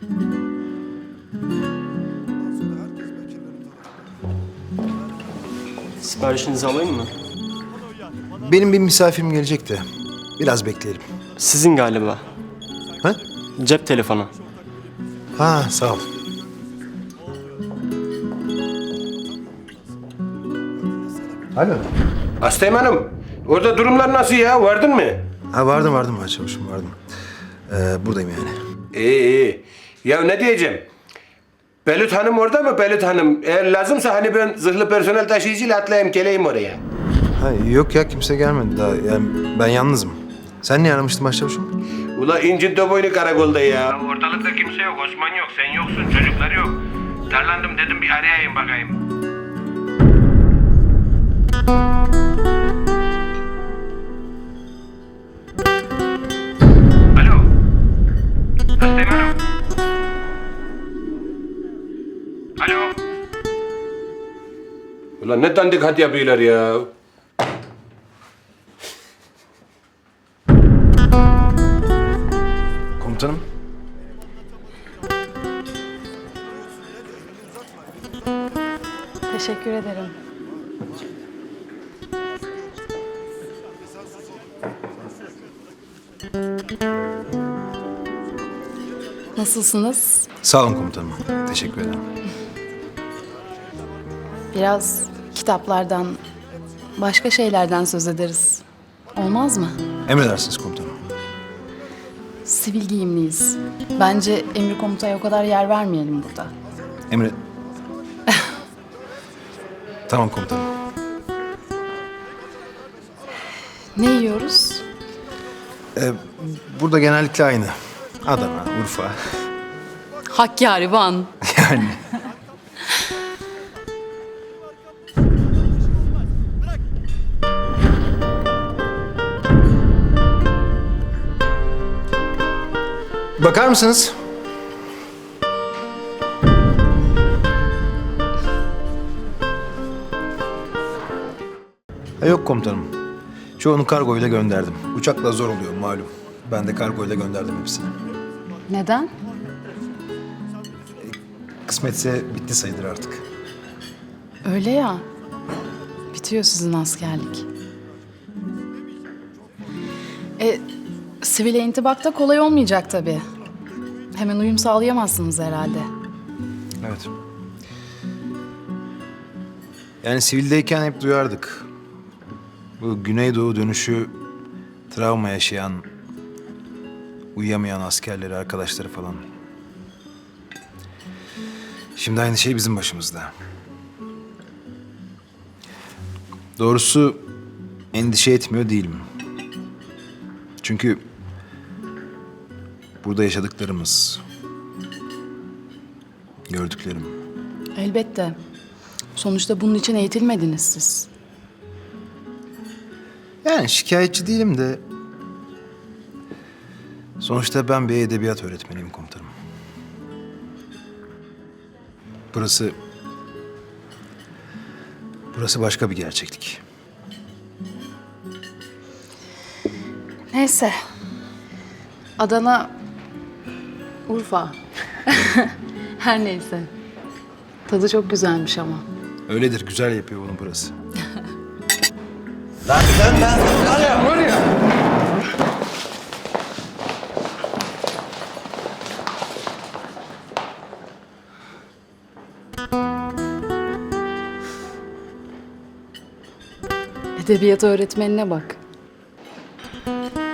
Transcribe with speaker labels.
Speaker 1: Siparişinizi alayım mı?
Speaker 2: Benim bir misafirim gelecek de biraz bekleyelim.
Speaker 1: Sizin galiba.
Speaker 2: Ha?
Speaker 1: Cep telefonu.
Speaker 2: Ha, sağ ol. Alo.
Speaker 3: Hastayım hanım. Orada durumlar nasıl ya? Vardın mı?
Speaker 2: Ha, vardım başçavuşum, vardım. Buradayım yani.
Speaker 3: İyi iyi. Ya ne diyeceğim? Belut Hanım orada mı Belut Hanım? Eğer lazımsa hani ben zırhlı personel taşıyıcıyla atlayayım geleyim oraya.
Speaker 2: Ha, yok ya, kimse gelmedi daha. Yani ben yalnızım. Sen niye aramıştın başçavuşum?
Speaker 3: Ula incin boynu karakolda ya. Ortalıkta kimse yok. Osman yok. Sen yoksun. Çocuklar yok. Darlandım dedim bir arayayım bakayım. Alo. Hastayım hanım. Alo. Ulan ne dandik hat yapıyorlar ya.
Speaker 2: Komutanım.
Speaker 4: Teşekkür ederim. Nasılsınız?
Speaker 2: Sağ olun komutanım. Teşekkür ederim.
Speaker 4: Biraz kitaplardan, başka şeylerden söz ederiz. Olmaz mı?
Speaker 2: Emredersiniz komutanım.
Speaker 4: Sivil giyimliyiz. Bence emir komutaya o kadar yer vermeyelim burada.
Speaker 2: Emre... Tamam komutanım.
Speaker 4: Ne yiyoruz?
Speaker 2: Burada genellikle aynı. Adana, Urfa.
Speaker 4: Hakkari, Van.
Speaker 2: Yani. Bakar mısınız? Yok komutanım. Çoğunu kargoyla gönderdim. Uçakla zor oluyor malum. Ben de kargoyla gönderdim hepsini.
Speaker 4: Neden?
Speaker 2: Kısmetse bitti sayılır artık.
Speaker 4: Öyle ya. Bitiyor sizin askerlik. Sivile intibakta kolay olmayacak tabii. Hemen uyum sağlayamazsınız herhalde.
Speaker 2: Evet. Yani sivildeyken hep duyardık. Bu Güneydoğu dönüşü travma yaşayan, uyuyamayan askerleri, arkadaşları falan. Şimdi aynı şey bizim başımızda. Doğrusu endişe etmiyor değilim. Çünkü burada yaşadıklarımız, gördüklerim.
Speaker 4: Elbette. Sonuçta bunun için eğitilmediniz siz.
Speaker 2: Yani şikayetçi değilim de... Sonuçta ben bir edebiyat öğretmeniyim komutanım. Burası... Burası başka bir gerçeklik.
Speaker 4: Neyse. Adana, Urfa. Her neyse. Tadı çok güzelmiş ama.
Speaker 2: Öyledir, güzel yapıyor bunu burası.
Speaker 3: Lan sen var ya.
Speaker 4: Edebiyat öğretmenine bak.